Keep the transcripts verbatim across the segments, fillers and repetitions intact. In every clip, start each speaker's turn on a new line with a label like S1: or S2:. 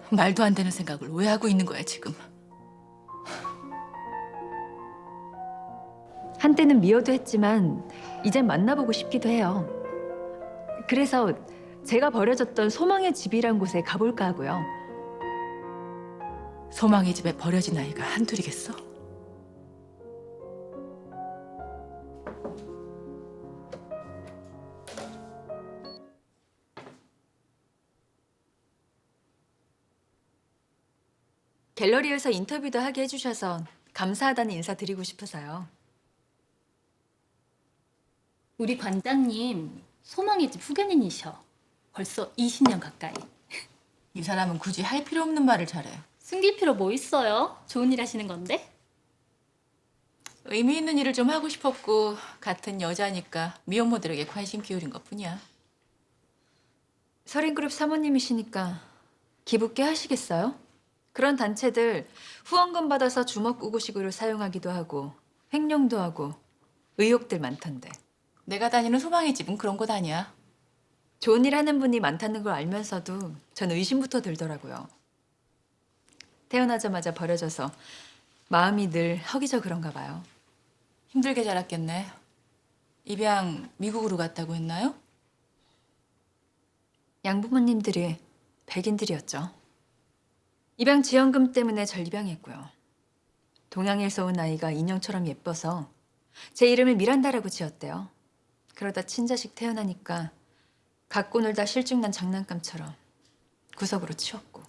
S1: 말도 안 되는 생각을 왜 하고 있는 거야, 지금?
S2: 한때는 미워도 했지만 이젠 만나보고 싶기도 해요. 그래서 제가 버려졌던 소망의 집이란 곳에 가볼까 하고요.
S1: 소망의 집에 버려진 아이가 한둘이겠어?
S2: 갤러리에서 인터뷰도 하게 해주셔서 감사하다는 인사 드리고 싶어서요.
S3: 우리 관장님 소망의 집 후견인이셔. 벌써 이십 년 가까이.
S1: 이 사람은 굳이 할 필요 없는 말을 잘해.
S3: 숨길 필요 뭐 있어요? 좋은 일 하시는 건데?
S1: 의미 있는 일을 좀 하고 싶었고 같은 여자니까 미혼모들에게 관심 기울인 것뿐이야.
S2: 서린그룹 사모님이시니까 기부께 하시겠어요? 그런 단체들 후원금 받아서 주먹구구식으로 사용하기도 하고 횡령도 하고 의혹들 많던데.
S1: 내가 다니는 소망의 집은 그런 곳 아니야.
S2: 좋은 일 하는 분이 많다는 걸 알면서도 전 의심부터 들더라고요. 태어나자마자 버려져서 마음이 늘 허기져 그런가 봐요.
S1: 힘들게 자랐겠네. 입양 미국으로 갔다고 했나요?
S2: 양부모님들이 백인들이었죠. 입양 지원금 때문에 절 입양했고요. 동양에서 온 아이가 인형처럼 예뻐서 제 이름을 미란다라고 지었대요. 그러다 친자식 태어나니까 갖고 놀다 실증난 장난감처럼 구석으로 치웠고.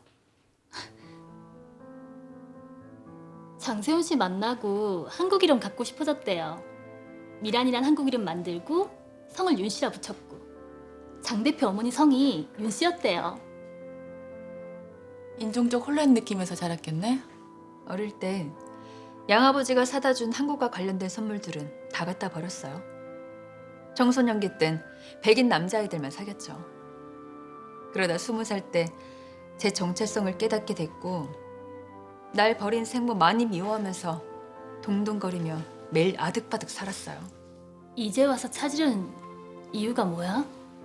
S3: 장세훈 씨 만나고 한국 이름 갖고 싶어졌대요. 미란이란 한국 이름 만들고 성을 윤 씨라 붙였고 장 대표 어머니 성이 윤 씨였대요.
S1: 인종적 혼란 느끼면서 자랐겠네.
S2: 어릴 때 양아버지가 사다 준 한국과 관련된 선물들은 다 갖다 버렸어요. 청소년기 땐 백인 남자아이들만 사귀었죠. 그러다 스무 살 때 제 정체성을 깨닫게 됐고 날 버린 생모 많이 미워하면서 동동거리며 매일 아득바득 살았어요.
S3: 이제 와서 찾으려는 이유가 뭐야?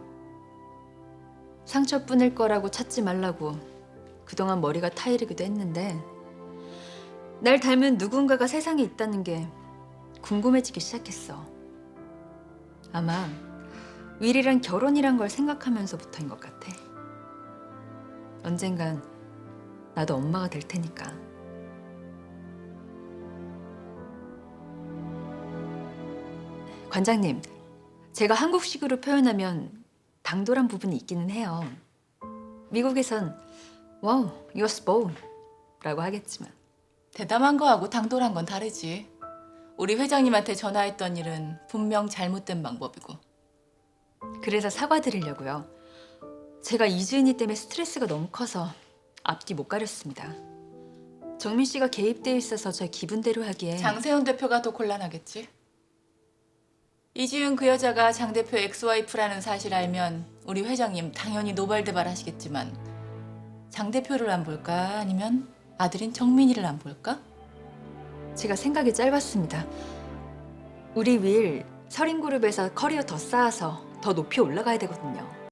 S2: 상처뿐일 거라고 찾지 말라고 그동안 머리가 타이르기도 했는데 날 닮은 누군가가 세상에 있다는 게 궁금해지기 시작했어. 아마 윌이랑 결혼이란 걸 생각하면서부터인 것 같아. 언젠간 나도 엄마가 될 테니까. 관장님, 제가 한국식으로 표현하면 당돌한 부분이 있기는 해요. 미국에선 와우, you're spoiled 라고 하겠지만
S1: 대담한 거하고 당돌한 건 다르지. 우리 회장님한테 전화했던 일은 분명 잘못된 방법이고.
S2: 그래서 사과드리려고요. 제가 이주인이 때문에 스트레스가 너무 커서 앞뒤 못 가렸습니다. 정민 씨가 개입돼 있어서 저 기분대로 하기에
S1: 장세훈 대표가 더 곤란하겠지. 이지윤 그 여자가 장 대표 엑스와이프라는 사실 알면 우리 회장님 당연히 노발대발 하시겠지만 장 대표를 안 볼까? 아니면 아들인 정민이를 안 볼까?
S2: 제가 생각이 짧았습니다. 우리 윌 서린그룹에서 커리어 더 쌓아서 더 높이 올라가야 되거든요.